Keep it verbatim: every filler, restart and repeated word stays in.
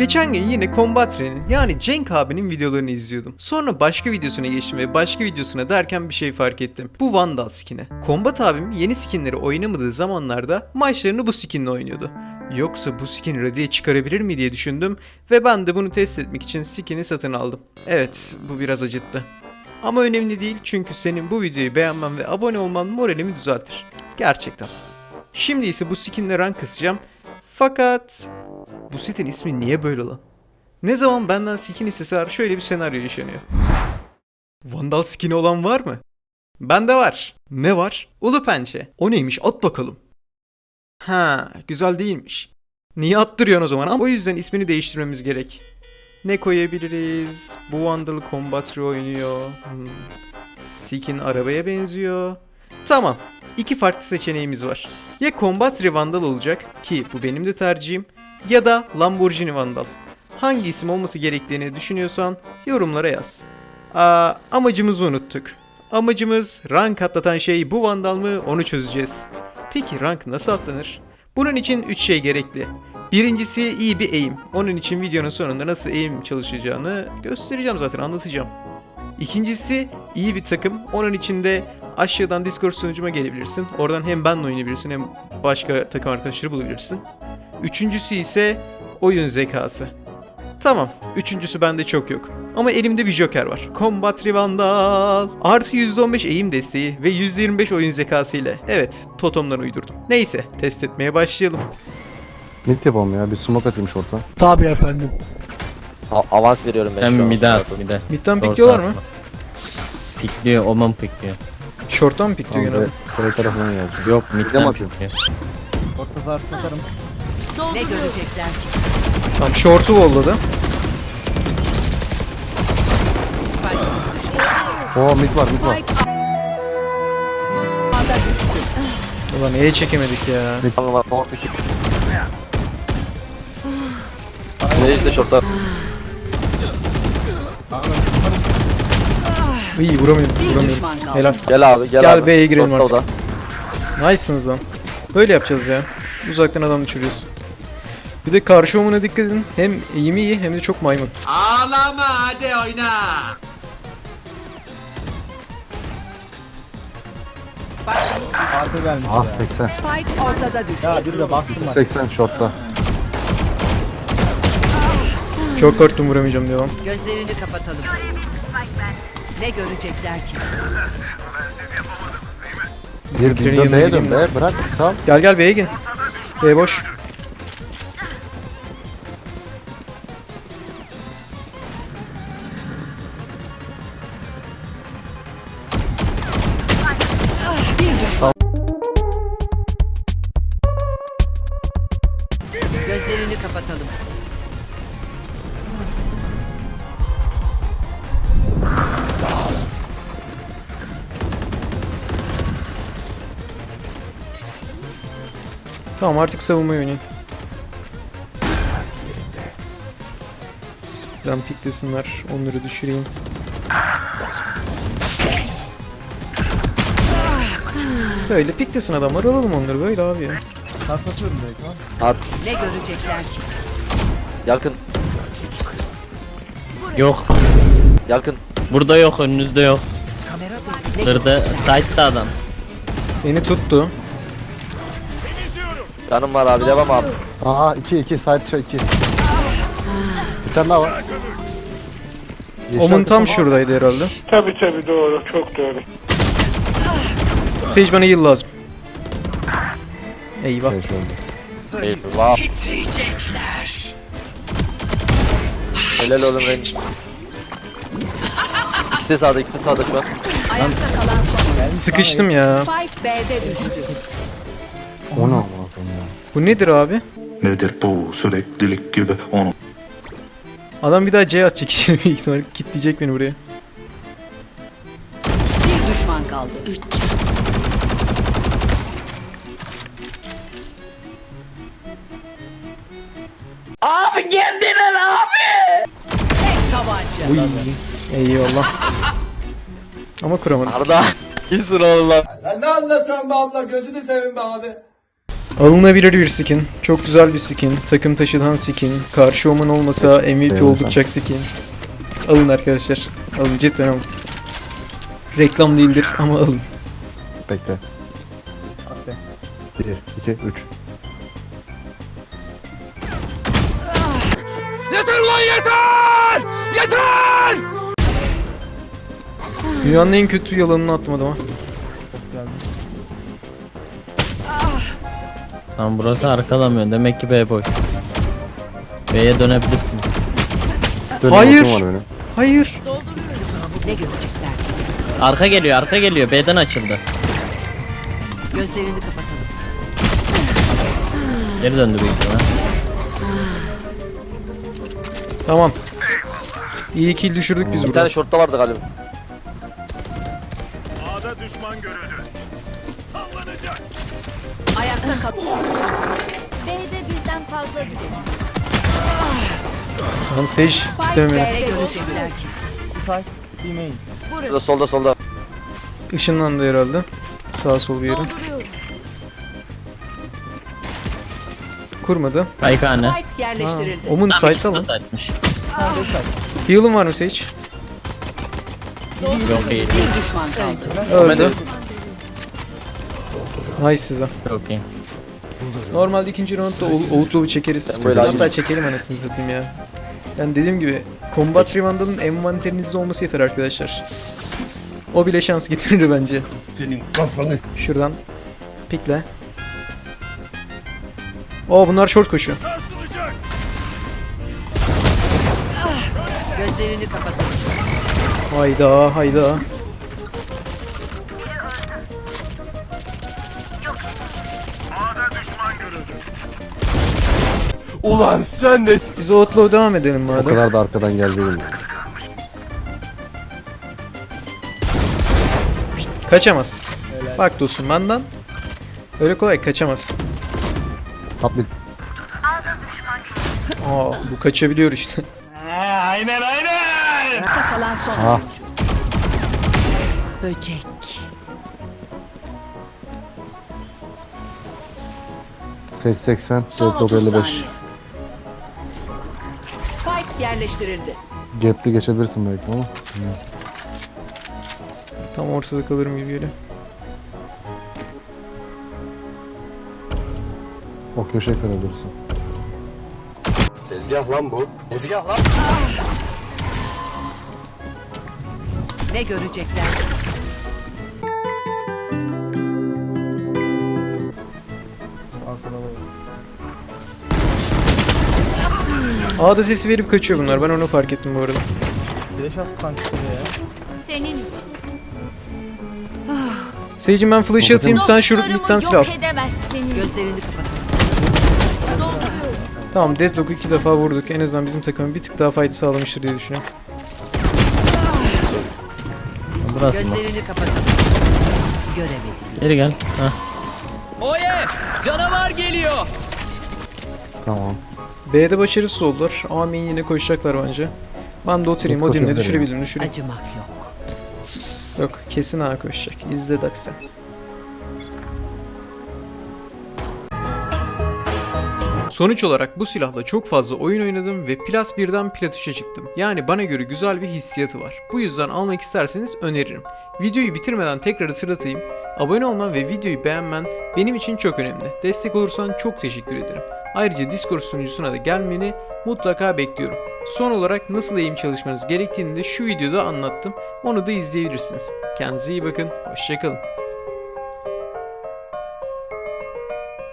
Geçen gün yine Combatre'nin yani Cenk abinin videolarını izliyordum. Sonra başka videosuna geçtim ve başka videosuna derken bir şey fark ettim. Bu Vandal skin'i. Combat abim yeni skinleri oynamadığı zamanlarda maçlarını bu skinle oynuyordu. Yoksa bu skin ready'ye çıkarabilir mi diye düşündüm ve ben de bunu test etmek için skin'i satın aldım. Evet, bu biraz acıttı. Ama önemli değil çünkü senin bu videoyu beğenmen ve abone olman moralimi düzeltir. Gerçekten. Şimdi ise bu skinle rank kısacağım. Fakat bu setin ismi niye böyle lan? Ne zaman benden skin isteseler şöyle bir senaryo yaşanıyor. Vandal skin'i olan var mı? Bende var. Ne var? Ulu pençe. O neymiş? At bakalım. Ha, güzel değilmiş. Niye attırıyorsun o zaman? Ama o yüzden ismini değiştirmemiz gerek. Ne koyabiliriz? Bu Vandal'ı Combatri oynuyor. Hmm. Skin arabaya benziyor. Tamam. İki farklı seçeneğimiz var. Ya Combatri Vandal olacak ki bu benim de tercihim. Ya da Lamborghini Vandal. Hangi isim olması gerektiğini düşünüyorsan yorumlara yaz. Aa, amacımızı unuttuk. Amacımız rank atlatan şey bu Vandal mı onu çözeceğiz. Peki rank nasıl atlanır? Bunun için üç şey gerekli. Birincisi iyi bir aim. Onun için videonun sonunda nasıl aim çalışacağını göstereceğim zaten, anlatacağım. İkincisi iyi bir takım. Onun için de aşağıdan Discord sunucuma gelebilirsin. Oradan hem benle oynayabilirsin hem başka takım arkadaşları bulabilirsin. Üçüncüsü ise oyun zekası. Tamam, üçüncüsü bende çok yok. Ama elimde bir joker var. Combatri Vandal. Artı yüzde on beş eğim desteği ve yüzde yirmi beş oyun zekası ile. Evet, totemları uydurdum. Neyse, test etmeye başlayalım. Mid yapalım ya, bir smoke atayım short'a. Tabii efendim. A- avans veriyorum ben Sen şu an. mide at mide. Mid'den Short pikliyorlar mı? atma. Pikliyor, Oman pikliyor. Short'tan mı pikliyor Tamam, genelde? Kore tarafından gelecek. Yok Mid'e mi midden atıyor? pikliyor. Ne görecekler? Tamam, short'u volladı. Oo mid var, mid var. Ulan neye çekemedik ya? Tamam var. Tamam iki. Ne işte şortlar. İyi, vuramıyorum, Bir vuramıyorum. düşman kaldı. Helal. Gel abi gel, Gel abi. B'ye girelim Şortta artık. o da. Nice'sınız lan. Böyle yapacağız ya. Uzaktan adam düşürüyoruz. Bir de karşı omuna dikkat edin. Hem eğimi iyi hem de çok maymun. Ağlama hadi oyna. Spike'ımız düştü. Artı gelmiş Ah ya. seksen. Spike ortada düştü. Ya bir de baktım ben. seksen short'ta. Çok korktum, vuramayacağım diyor lan. Gözlerini kapatalım. Ne görecekler ki? Bir Bizimkilerin bir yanına B'ye gideyim dön ben. be, bırak sal. Gel gel B'ye gel. B boş. Gözlerini kapatalım. Tamam, artık savunmayı oynayın. Sizden piklesinler. Onları düşüreyim. Böyle piklesin adamlar, alalım onları böyle abi ya. Sarsatıyorum belki lan. At. Ne görecekler ki? Yakın. Yok. Yakın. Burada yok, önünüzde yok. Ne Kırdı. Side'da adam. Beni tuttu. Canım var abi, devam abi. Aha iki iki side çay iki. Bir tane daha var. Yeşil Omun tam arkası- şuradaydı herhalde. Tabii tabii doğru, çok doğru. Sage bana heal lazım. Eyvah. Şey, şöyle. Eyvah. Helal oğlum ben. İkisi de sağda, ikisi de sağda şu an. Ayakta kalan son. Sıkıştım ya. Spike B'de düştü. O ne amına koyayım ya. Bu nedir abi? Nedir bu süreklilik gibi onu Adam bir daha C atacak şimdi büyük ihtimalle. Kitleyecek beni buraya. Bir düşman kaldı. Üç. Abi kendine abi. Tek tabanca. Uy. Eyvallah. Ama kuramadım. Arda. İyisin oğlum lan. Lan ne anlatıyorsun be abla, gözünü seveyim be abi. Alınabilir bir skin. Çok güzel bir skin. Takım taşıdan skin. Karşı oman olmasa M V P Beğendim. oldukça skin. Alın arkadaşlar. Alın cidden alın. Reklam değildir ama alın. Bekle. bir, iki, üç. Dünyanın en kötü yalanını attım adama. Tamam burası arkalamıyor. Demek ki B boş. B'ye dönebilirsin. Dönüm Hayır. hakkım var benim. Hayır. Ne görecekler? Arka geliyor, arka geliyor. B'den açıldı. Gözlerini kapatalım. Geri döndü büyük ihtimal. Tamam. İyi kill düşürdük biz Bir burada. tane şortta vardı galiba. Ayakta kal. B'de birden fazla düşman. Lan Sage demedi. Ne görecekler ki? Şurada solda solda. Işınlandı herhalde. Sağ sol bir yere. Dolduruyorum. Kayıkhane. Spike Ha, yerleştirildi. Omun Tam site ikisi de alın. site'miş. Heal'ın var mı Sage? Yok iyi. Bir düşman kaldı. Öldü. Nice size. Çok iyi. Normalde ikinci roundda o- Outlaw'u çekeriz. Ben böyle Hatta acıyım. çekelim anasını satayım ya. Yani dediğim gibi Combat Rewand'ın envanterinizde olması yeter arkadaşlar. O bile şans getirir bence. Senin kafanı Şuradan pikle. Oo bunlar short koşuyor. Gözlerini kapatalım. Hayda hayda. Ulan sen de. Biz Outlaw devam edelim O madem. kadar da arkadan geldi. Kaçamazsın. Bak dostum benden. Öyle kolay kaçamazsın. Top mid. Aa bu kaçabiliyor işte. Ayakta kalan son Ah. oyuncu. Böcek. Ses seksen, Son Deadlock otuz elli beş. saniye. Spike yerleştirildi. Gap'li geçebilirsin belki ama. Tam ortada kalırım gibi geliyor. O köşeye kalabilirsin. Ne görecekler? A'da sesi verip kaçıyor bunlar. Ben onu fark ettim bu arada. Senin için. Sage'im ben flash'ı atayım sen şu lütfen silah al. yok edemezsiniz. Gözlerini kapatalım. Dolduruyorum. Tamam Deadlock'u iki defa vurduk. En azından bizim takımın bir tık daha fight sağlamıştır diye düşünüyorum. Burası mı? Gözlerini kapatalım. Göremedim. Geri gel. Hah. Tamam. B'de başarısız oldular. A main yine koşacaklar bence. Ben de oturayım. Yok, Odin'le koşabilir düşürebilirim düşüreyim. Acımak yok. Yok kesin A koşacak. İzle Dax'e. Sonuç olarak bu silahla çok fazla oyun oynadım ve Plat birden Plat üçe çıktım. Yani bana göre güzel bir hissiyatı var. Bu yüzden almak isterseniz öneririm. Videoyu bitirmeden tekrar hatırlatayım. Abone olman ve videoyu beğenmen benim için çok önemli. Destek olursan çok teşekkür ederim. Ayrıca Discord sunucusuna da gelmeni mutlaka bekliyorum. Son olarak nasıl eğim çalışmanız gerektiğini de şu videoda anlattım. Onu da izleyebilirsiniz. Kendinize iyi bakın. Hoşçakalın.